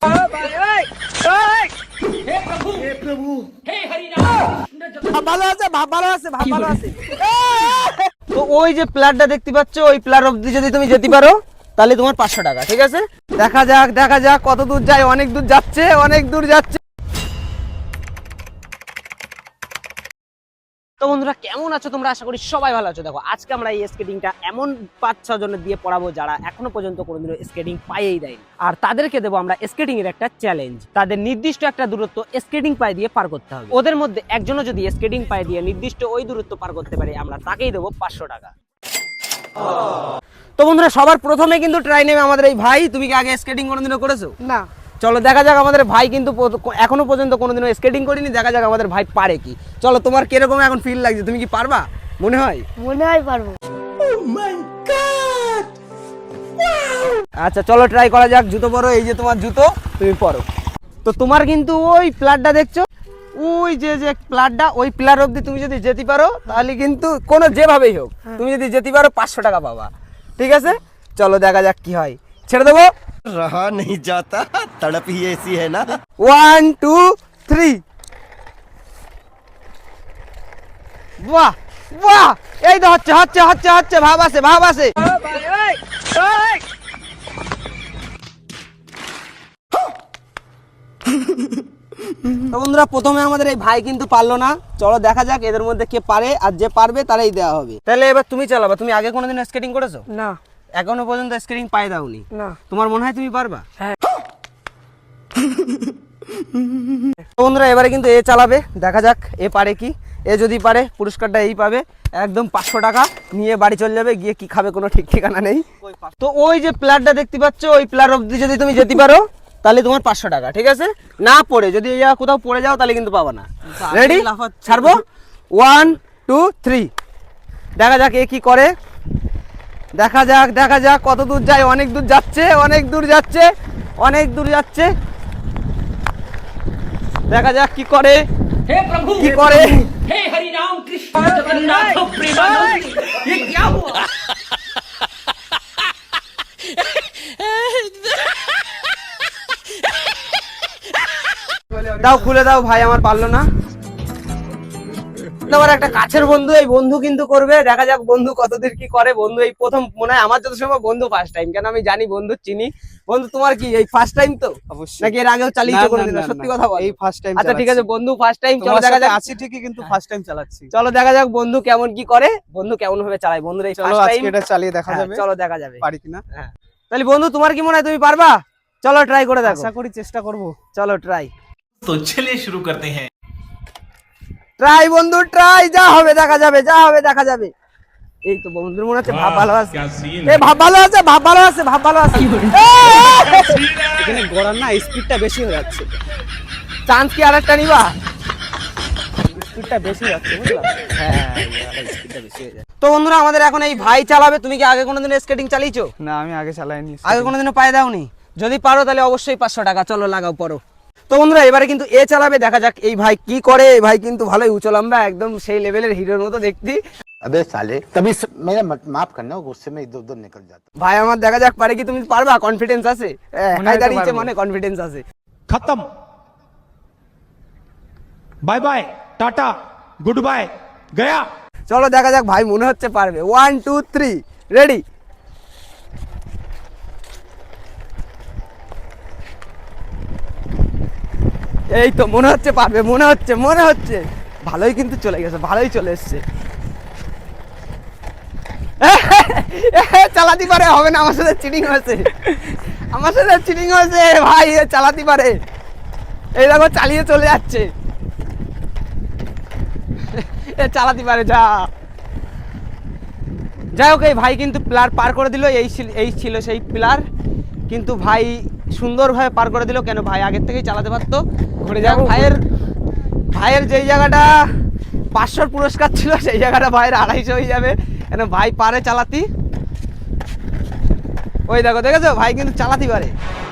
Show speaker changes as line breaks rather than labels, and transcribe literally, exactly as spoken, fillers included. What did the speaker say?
ভালো আছে, ভালো আছে, ভালো আছে। তো ওই যে প্লেয়ারটা দেখতে পাচ্ছ, ওই প্লেয়ার অবধি যদি তুমি যেতে পারো তাহলে তোমার পাঁচশো টাকা, ঠিক আছে? দেখা যাক দেখা যাক কত দূর যায়। অনেক দূর যাচ্ছে, অনেক দূর যাচ্ছে। তো বন্ধুরা কেমন আছো তোমরা? আশা করি সবাই ভালো আছো। দেখো আজকে আমরা এই স্কেটিংটা এমন পাঁচ ছ জনের দিয়ে পড়াবো যারা এখনো পর্যন্ত কোনোদিনও স্কেটিং পাইয়েই দেয়নি, আর তাদেরকে দেবো আমরা স্কেটিং এর একটা চ্যালেঞ্জ। তাদের নির্দিষ্ট একটা দূরত্ব স্কেটিং পায়ে দিয়ে পার করতে হবে। ওদের মধ্যে একজনও যদি স্কেটিং পায়ে দিয়ে নির্দিষ্ট ওই দূরত্ব পার করতে পারে, আমরা তাকেই দেবো পাঁচশো টাকা। তো বন্ধুরা সবার প্রথমে কিন্তু ট্রাই নেবে আমাদের এই ভাই। তুমি কি আগে স্কেটিং কোনোদিনও করেছো?
না।
চলো দেখা যাক, আমাদের ভাই কিন্তু এখনো পর্যন্ত কোনোদিনও স্কেটিং করিনি। দেখা যাক আমাদের ভাই পারে কি। চলো, তোমার কিরকম এখন ফিল লাগছে? তুমি কি পারবা মনে হয়?
মনে হয় পারবো।
Oh my God! আচ্ছা চলো ট্রাই করা যাক। জুতো পরো, এই যে তোমার জুতো, তুমি পরো। তো তোমার কিন্তু ওই প্লারটা দেখছো, ওই যে যে প্লারটা, ওই প্লার অবধি তুমি যদি যেতে পারো তাহলে কিন্তু কোনো যেভাবেই হোক তুমি যদি যেতে পারো পাঁচশো টাকা পাবা, ঠিক আছে? চলো দেখা যাক কি হয়। ছেড়ে দেবো।
रहा नहीं जाता, तड़प ही ऐसी है ना।
One two three. বাহ বাহ, এই তো হচ্ছে হচ্ছে হচ্ছে হচ্ছে ভাব আছে, ভাব আছে। তো বন্ধুরা প্রথমে আমাদের এই ভাই কিন্তু পারলো না। চলো দেখা যাক এদের মধ্যে কে পারে, আর যে পারবে তারাই দেওয়া হবে। তাহলে এবার তুমি চালাবা। তুমি আগে কোনোদিন স্কেটিং করেছো?
না।
এখনো পর্যন্ত স্কেটিং পায়ে দাওনি?
না।
তোমার মনে হয় তুমি পারবা?
হ্যাঁ।
বন্ধুরা এবারে কিন্তু এ চালাবে, দেখা যাক এ পারে কি। এ যদি পারে পুরস্কারটা এই পাবে, একদম পাঁচশো টাকা নিয়ে বাড়ি চলে যাবে। গিয়ে কি খাবে কোনো ঠিক ঠিকানা নেই। তো ওই যে প্লেয়ারটা দেখতে পাচ্ছ, ওই প্লেয়ার অবধি যদি তুমি যেতে পারো তাহলে তোমার পাঁচশো টাকা, ঠিক আছে? না পড়ে যদি কোথাও পড়ে যাও তাহলে কিন্তু পাবা না। রেডি? ছাড়বো। One two three. দেখা যাক এ কি করে। দেখা যাক দেখা যাক কত দূর যায়। অনেক দূর যাচ্ছে, অনেক দূর যাচ্ছে, অনেক দূর যাচ্ছে। দেখা যাক কি করে।
हे प्रभु,
কি করে।
हे हरि राम कृष्ण जगन्नाथ प्रेमानंद, ये क्या हुआ?
দাও খুলে দাও, ভাই আমার পারলো না। তোমার একটা কাছের বন্ধু, এই বন্ধু কিন্তু করবে। দেখা যাক বন্ধু কতদূর কি করে। বন্ধু এই প্রথম মনে হয় আমার যত সময় বন্ধু ফার্স্ট টাইম, কেন আমি জানি বন্ধু চিনি। বন্ধু তোমার কি এই ফার্স্ট টাইম তো?
অবশ্যই।
নাকি এর আগেও চালিয়েছো কোনোদিন? সত্যি কথা বল।
এই ফার্স্ট টাইম।
আচ্ছা ঠিক আছে বন্ধু ফার্স্ট টাইম। চলো দেখা যাক।
আছি ঠিকই, কিন্তু ফার্স্ট টাইম চালাচ্ছি।
চলো দেখা যাক বন্ধু কেমন কি করে, বন্ধু কেমন ভাবে চালায়। বন্ধুর এই
চলো
ফার্স্ট টাইম
আজকে এটা চালিয়ে দেখা যাবে।
চলো দেখা যাবে
পারি কিনা।
হ্যাঁ তাহলে বন্ধু তোমার কি মনে হয় তুমি পারবা? চলো ট্রাই করে দেখো।
আশা করি চেষ্টা করব।
চলো ট্রাই।
तो चलिए शुरू करते हैं।
ট্রাই বন্ধু ট্রাই, যা হবে দেখা যাবে, যা হবে দেখা যাবে। এই তো বন্ধুর মনে হচ্ছে ভাব ভালো আছে। এই ভাব ভালো আছে, ভাব ভালো আছে, ভাব ভালো আছে।
এখানে গড়ার না স্পিডটা বেশি হয়ে যাচ্ছে।
চান্স কি আরেকটা নিবা?
স্পিডটা বেশি যাচ্ছে বুঝলা?
হ্যাঁ স্পিডটা বেশি হয়ে যায়। তো বন্ধুরা আমাদের এখন এই ভাই চালাবে। তুমি কি আগে কোনোদিন স্কেটিং চালিয়েছো?
না আমি আগে চালাইনি।
আগে কোনোদিনও পায়ে দাওনি? যদি পারো তাহলে অবশ্যই পাঁচশো টাকা। চলো লাগাও পড়ো। তো বন্ধুরা এবারে কিন্তু এ চালাবে। দেখা যাক এই ভাই কি করে। এই ভাই কিন্তু ভালোই উঁচলম্বা, একদম সেই লেভেলের হিরোর মতো দেখতে।
अबे साले तभी स... मेरा माफ करना, गुस्से में इधर उधर निकल जाता।
ভাই আমার দেখা যাক পারে কি। তুমি পারবা? কনফিডেন্স আছে?
মনে হয় তো
দাঁড়িয়েছে
পারবো।
মনে কনফিডেন্স আছে।
खत्म, bye bye, tata, good bye, गया।
চলো দেখা যাক ভাই মনে হচ্ছে পারবে। One two three ready. এই তো মনে হচ্ছে পারবে, মনে হচ্ছে মনে হচ্ছে ভালোই কিন্তু চলে গেছে, ভালোই চলে এসছে। চালাতে পারে, হবে না। আমার সাথে চিটিং হয়েছে, আমার সাথে চিটিং হয়েছে ভাই। চালাতে পারে, এই দেখো চালিয়ে চলে যাচ্ছে। এ চালাতে পারে। যা যাই হোক এই ভাই কিন্তু প্লার পার করে দিল। এই এই ছিল সেই প্লার, কিন্তু ভাই সুন্দরভাবে পার করে দিল। কেন ভাই আগের থেকেই চালাতে পারতো। ঘুরে যাক ভাইয়ের ভাইয়ের যেই জায়গাটা পাঁচশোর পুরস্কার ছিল সেই জায়গাটা ভাইয়ের আড়াইশো হয়ে যাবে। কেন ভাই পারে চালাতি। ওই দেখো দেখেছো ভাই কিন্তু চালাতে পারে।